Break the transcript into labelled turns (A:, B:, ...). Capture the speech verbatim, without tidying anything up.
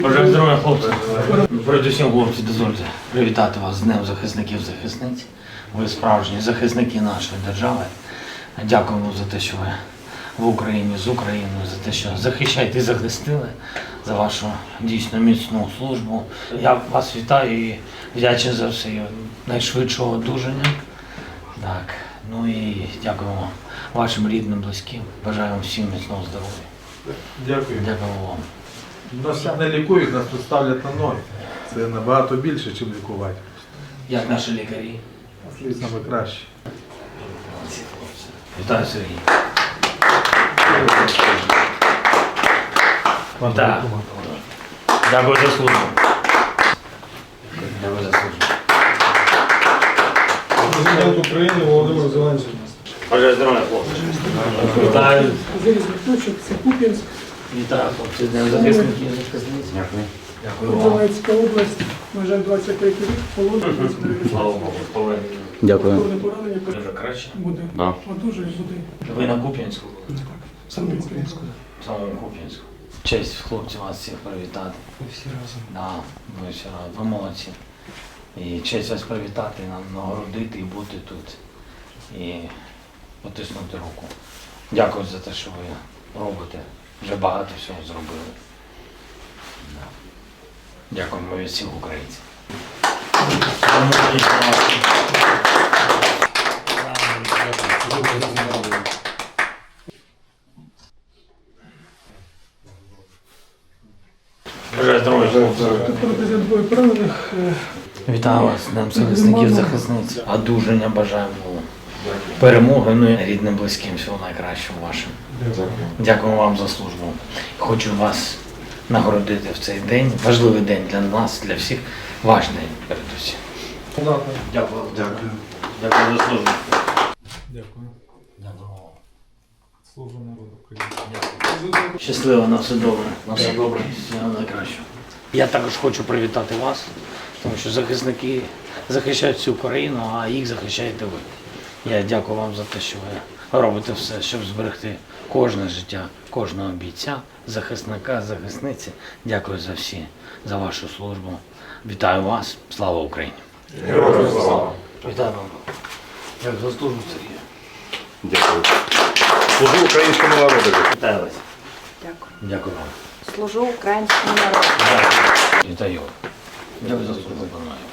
A: Бажаю здоров'я, хлопці. Передусім, хлопці, дозвольте привітати вас з Днем захисників-захисниць. Ви справжні захисники нашої держави. Дякуємо за те, що ви в Україні, з Україною, за те, що захищаєте і захистили, за вашу дійсно міцну службу. Я вас вітаю і вдячний за все і найшвидшого одужання. Так, ну і дякуємо вашим рідним, близьким. Бажаємо всім міцного здоров'я.
B: Дякую.
A: Дякуємо вам.
B: Нас не лікують, нас тут ставлять на ноги. Це набагато більше, ніж лікувати.
A: Як наші лікарі?
B: Саме краще.
A: Вітаю, Сергій. Так. Дякую за службу. Дякую за службу.
C: Президент України Володимир Зеленський.
A: Бажаю здоров'я, хлопці. Вітаю.
D: Залізничок, це Куп'янськ,
A: Вітаю, хлопці. З Днем захисників і захисниць. Дякую. Дякую вам.
D: Донецька область, на жаль, двадцять третій рік, полон,
A: Слава Богу, повернення.
E: Дякую.
D: поранення
A: Дуже краще.
D: буде.
E: Да.
D: Одужує, буде.
A: Ви на Куп'янську?
D: Саме українську.
A: В самому Куп'янську. Честь, хлопці, вас всіх привітати.
C: Ми всі разом.
A: Да, ви всі разом. Ви молодці. І честь вас привітати, нам нагородити і бути тут. І потиснути руку. Дякую за те, що ви робите. Вже багато всього зробили. Да. Дякуємо від всіх українців. Бажаю здоров'я, хлопці.
D: Президент двоє поранених. е,
A: Вітаю вас, Днем захисників, захисниць. Одужання бажаємо перемоги, ну і рідним, близьким, всього найкращого вашим. Дякую вам за службу. Хочу вас нагородити в цей день. Важливий день для нас, для всіх. Ваш день передусім. Дякую. Дякую. Дякую за службу.
C: Дякую.
A: Дякую вам.
C: Служу народу України.
A: Дякую. Щасливо, на все добре. На все добре. Всього найкращого. Я також хочу привітати вас, тому що захисники захищають всю Україну, а їх захищаєте ви. Я дякую вам за те, що ви робите все, щоб зберегти кожне життя, кожного бійця, захисника, захисниці. Дякую за всі, за вашу службу. Вітаю вас. Слава Україні!
E: Героям слава!
A: Вітаю вам. Як за службу, Сергію.
E: Дякую. Служу українському народу.
A: Вітаю вас.
F: Дякую.
A: Дякую вам.
F: Служу українському народу.
A: Дякую. Вітаю. Дякую за службу, пане.